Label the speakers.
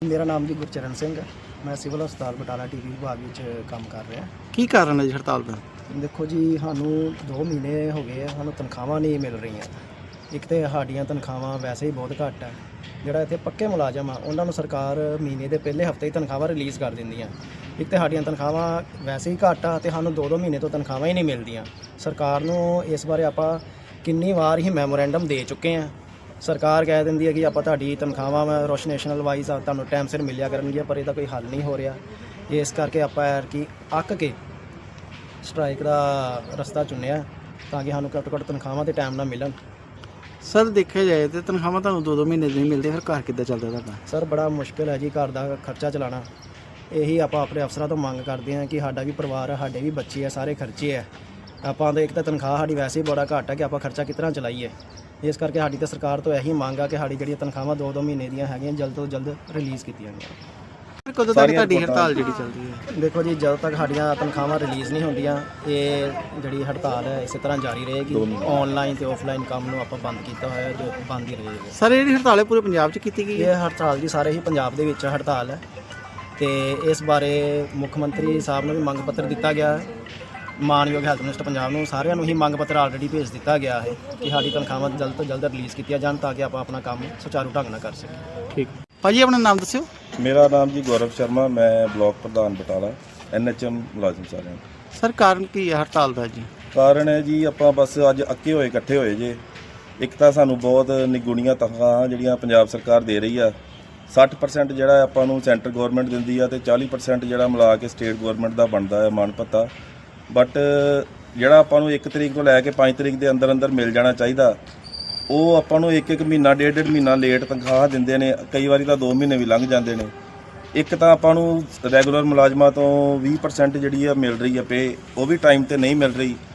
Speaker 1: ਮੇਰਾ ਨਾਮ ਜੀ ਗੁਰਚਰਨ ਸਿੰਘ ਹੈ। ਮੈਂ ਸਿਵਲ ਹਸਪਤਾਲ ਬਟਾਲਾ ਟੀਵੀ ਵਿਭਾਗ ਵਿੱਚ ਕੰਮ ਕਰ ਰਿਹਾ।
Speaker 2: ਕੀ ਕਾਰਨ ਹੈ ਜੀ ਹੜਤਾਲ ਦਾ?
Speaker 1: ਦੇਖੋ ਜੀ, ਸਾਨੂੰ 2 ਮਹੀਨੇ ਹੋ ਗਏ, ਸਾਨੂੰ ਤਨਖਾਹਾਂ ਨਹੀਂ ਮਿਲ ਰਹੀਆਂ। ਇੱਕ ਤਾਂ ਸਾਡੀਆਂ ਤਨਖਾਹਾਂ ਵੈਸੇ ਹੀ ਬਹੁਤ ਘੱਟ ਹੈ। ਜਿਹੜਾ ਇੱਥੇ ਪੱਕੇ ਮੁਲਾਜ਼ਮ ਆ ਉਹਨਾਂ ਨੂੰ ਸਰਕਾਰ ਮਹੀਨੇ ਦੇ ਪਹਿਲੇ ਹਫਤੇ ਹੀ ਤਨਖਾਹਾਂ ਰਿਲੀਜ਼ ਕਰ ਦਿੰਦੀਆਂ। ਇੱਕ ਤਾਂ ਸਾਡੀਆਂ ਤਨਖਾਹਾਂ ਵੈਸੇ ਹੀ ਘੱਟ ਆ ਅਤੇ ਸਾਨੂੰ 2-2 ਮਹੀਨੇ ਤੋਂ ਤਨਖਾਹਾਂ ਹੀ ਨਹੀਂ ਮਿਲਦੀਆਂ। ਸਰਕਾਰ ਨੂੰ ਇਸ ਬਾਰੇ ਆਪਾਂ ਕਿੰਨੀ ਵਾਰ ਹੀ ਮੈਮੋਰੈਂਡਮ ਦੇ ਚੁੱਕੇ ਹਾਂ। ਸਰਕਾਰ ਕਹਿ ਦਿੰਦੀ ਹੈ ਕਿ ਆਪਾਂ ਤੁਹਾਡੀ ਤਨਖਾਹਾਂ ਰੋਸ਼ਨੇਸ਼ਨਲ ਵਾਈਜ਼ ਆ ਤੁਹਾਨੂੰ ਟਾਈਮ ਸਿਰ ਮਿਲਿਆ ਕਰਨਗੀਆਂ, ਪਰ ਇਹਦਾ ਕੋਈ ਹੱਲ ਨਹੀਂ ਹੋ ਰਿਹਾ। ਇਸ ਕਰਕੇ ਆਪਾਂ ਕਿ ਅੱਕ ਕੇ ਸਟ੍ਰਾਈਕ ਦਾ ਰਸਤਾ ਚੁਣਿਆ ਤਾਂ ਕਿ ਸਾਨੂੰ ਘੱਟੋ ਘੱਟ ਤਨਖਾਹਾਂ ਦੇ ਟਾਈਮ ਨਾਲ ਮਿਲਣ।
Speaker 2: ਸਰ ਦੇਖਿਆ ਜਾਏ ਤਾਂ ਤਨਖਾਹਾਂ ਤੁਹਾਨੂੰ 2-2 ਮਹੀਨੇ ਨਹੀਂ ਮਿਲਦੇ, ਫਿਰ ਘਰ ਕਿੱਦਾਂ ਚੱਲਦਾ ਤੁਹਾਡਾ?
Speaker 1: ਸਰ ਬੜਾ ਮੁਸ਼ਕਿਲ ਹੈ ਜੀ ਘਰ ਦਾ ਖਰਚਾ ਚਲਾਉਣਾ। ਇਹੀ ਆਪਾਂ ਆਪਣੇ ਅਫਸਰਾਂ ਤੋਂ ਮੰਗ ਕਰਦੇ ਹਾਂ ਕਿ ਸਾਡਾ ਵੀ ਪਰਿਵਾਰ ਹੈ, ਸਾਡੇ ਵੀ ਬੱਚੇ ਆ, ਸਾਰੇ ਖਰਚੇ ਆ। ਆਪਾਂ ਤਾਂ ਇੱਕ ਤਾਂ ਤਨਖਾਹ ਸਾਡੀ ਵੈਸੇ ਹੀ ਬੜਾ ਘੱਟ ਹੈ ਕਿ ਆਪਾਂ ਖਰਚਾ ਕਿਸ ਤਰ੍ਹਾਂ ਚਲਾਈਏ। ਇਸ ਕਰਕੇ ਸਾਡੀ ਤਾਂ ਸਰਕਾਰ ਤੋਂ ਇਹੀ ਮੰਗ ਆ ਕਿ ਸਾਡੀ ਜਿਹੜੀਆਂ ਤਨਖਾਹਾਂ 2-2 ਮਹੀਨੇ ਦੀਆਂ ਹੈਗੀਆਂ ਜਲਦ ਤੋਂ ਜਲਦ ਰਿਲੀਜ਼ ਕੀਤੀਆਂ ਜਾਣ।
Speaker 2: ਕਦੋਂ ਤੱਕ ਤੁਹਾਡੀ ਹੜਤਾਲ ਜਿਹੜੀ ਚੱਲਦੀ ਹੈ?
Speaker 1: ਦੇਖੋ ਜੀ, ਜਦੋਂ ਤੱਕ ਸਾਡੀਆਂ ਤਨਖਾਹਾਂ ਰਿਲੀਜ਼ ਨਹੀਂ ਹੁੰਦੀਆਂ ਇਹ ਜਿਹੜੀ ਹੜਤਾਲ ਹੈ ਇਸੇ ਤਰ੍ਹਾਂ ਜਾਰੀ ਰਹੇਗੀ। ਆਨਲਾਈਨ ਤੇ ਆਫਲਾਈਨ ਕੰਮ ਨੂੰ ਆਪਾਂ ਬੰਦ ਕੀਤਾ ਹੋਇਆ, ਜੋ ਬੰਦ ਹੀ ਰਹੇਗਾ।
Speaker 2: ਸਰ ਇਹ ਜਿਹੜੀ ਹੜਤਾਲ ਹੈ ਪੂਰੇ ਪੰਜਾਬ 'ਚ ਕੀਤੀ ਗਈ ਹੈ?
Speaker 1: ਇਹ ਹੜਤਾਲ ਜੀ ਸਾਰੇ ਹੀ ਪੰਜਾਬ ਦੇ ਵਿੱਚ ਹੜਤਾਲ ਹੈ ਤੇ ਇਸ ਬਾਰੇ ਮੁੱਖ ਮੰਤਰੀ ਸਾਹਿਬ ਨੂੰ ਵੀ ਮੰਗ ਪੱਤਰ ਦਿੱਤਾ ਗਿਆ ਹੈ। ਮਾਨਯੋਗ ਹੈਲਥ ਮਿਨਿਸਟਰ ਪੰਜਾਬ ਨੂੰ ਸਾਰਿਆਂ ਨੂੰ ਹੀ ਮੰਗ ਪੱਤਰ ਆਲਰੇਡੀ ਭੇਜ ਦਿੱਤਾ ਗਿਆ ਹੈ ਕਿ ਸਾਡੀ ਤਨਖਾਹਾਂ ਜਲਦ ਤੋਂ ਜਲਦ ਰਿਲੀਜ਼ ਕੀਤੀਆਂ ਜਾਣ ਤਾਂ ਕਿ ਆਪਾਂ ਆਪਣਾ ਕੰਮ ਸੁਚਾਰੂ ਢੰਗ ਨਾਲ ਕਰ ਸਕੀਏ।
Speaker 2: ਠੀਕ ਭਾਜੀ, ਆਪਣਾ ਨਾਮ ਦੱਸਿਓ।
Speaker 3: ਮੇਰਾ ਨਾਮ ਜੀ ਗੌਰਵ ਸ਼ਰਮਾ, ਮੈਂ ਬਲਾਕ ਪ੍ਰਧਾਨ ਬਟਾਲਾ, NHM ਮੁਲਾਜ਼ਮ ਸਾਰਿਆਂ ਨੂੰ।
Speaker 2: ਸਰ ਕਾਰਨ ਕੀ ਹੈ ਹੜਤਾਲ ਦਾ ਜੀ?
Speaker 3: ਕਾਰਨ ਹੈ ਜੀ ਆਪਾਂ ਬਸ ਅੱਜ ਅੱਕੇ ਹੋਏ ਇਕੱਠੇ ਹੋਏ ਜੇ। ਇੱਕ ਤਾਂ ਸਾਨੂੰ ਬਹੁਤ ਨਿਗੁਣੀਆਂ ਤਨਖਾਹਾਂ ਜਿਹੜੀਆਂ ਪੰਜਾਬ ਸਰਕਾਰ ਦੇ ਰਹੀ ਆ। 60% ਜਿਹੜਾ ਆਪਾਂ ਨੂੰ ਸੈਂਟਰ ਗਵਰਨਮੈਂਟ ਦਿੰਦੀ ਆ ਤੇ 40% ਜਿਹੜਾ ਮਿਲਾ ਕੇ ਸਟੇਟ ਗਵਰਨਮੈਂਟ ਦਾ ਬਣਦਾ ਹੈ ਮਾਣ ਭੱਤਾ। ਬਟ ਜਿਹੜਾ ਆਪਾਂ ਨੂੰ 1 ਤਰੀਕ ਤੋਂ ਲੈ ਕੇ 5 ਤਰੀਕ ਦੇ ਅੰਦਰ ਅੰਦਰ ਮਿਲ ਜਾਣਾ ਚਾਹੀਦਾ, ਉਹ ਆਪਾਂ ਨੂੰ 1-1 ਮਹੀਨਾ 1.5 ਮਹੀਨਾ ਲੇਟ ਤਨਖਾਹ ਦਿੰਦੇ ਨੇ। ਕਈ ਵਾਰੀ ਤਾਂ 2 ਮਹੀਨੇ ਵੀ ਲੰਘ ਜਾਂਦੇ ਨੇ। ਇੱਕ ਤਾਂ ਆਪਾਂ ਨੂੰ ਰੈਗੂਲਰ ਮੁਲਾਜ਼ਮਾਂ ਤੋਂ 20% ਜਿਹੜੀ ਆ ਮਿਲ ਰਹੀ ਆ ਪੇ, ਉਹ ਵੀ ਟਾਈਮ ਤੇ ਨਹੀਂ ਮਿਲ ਰਹੀ।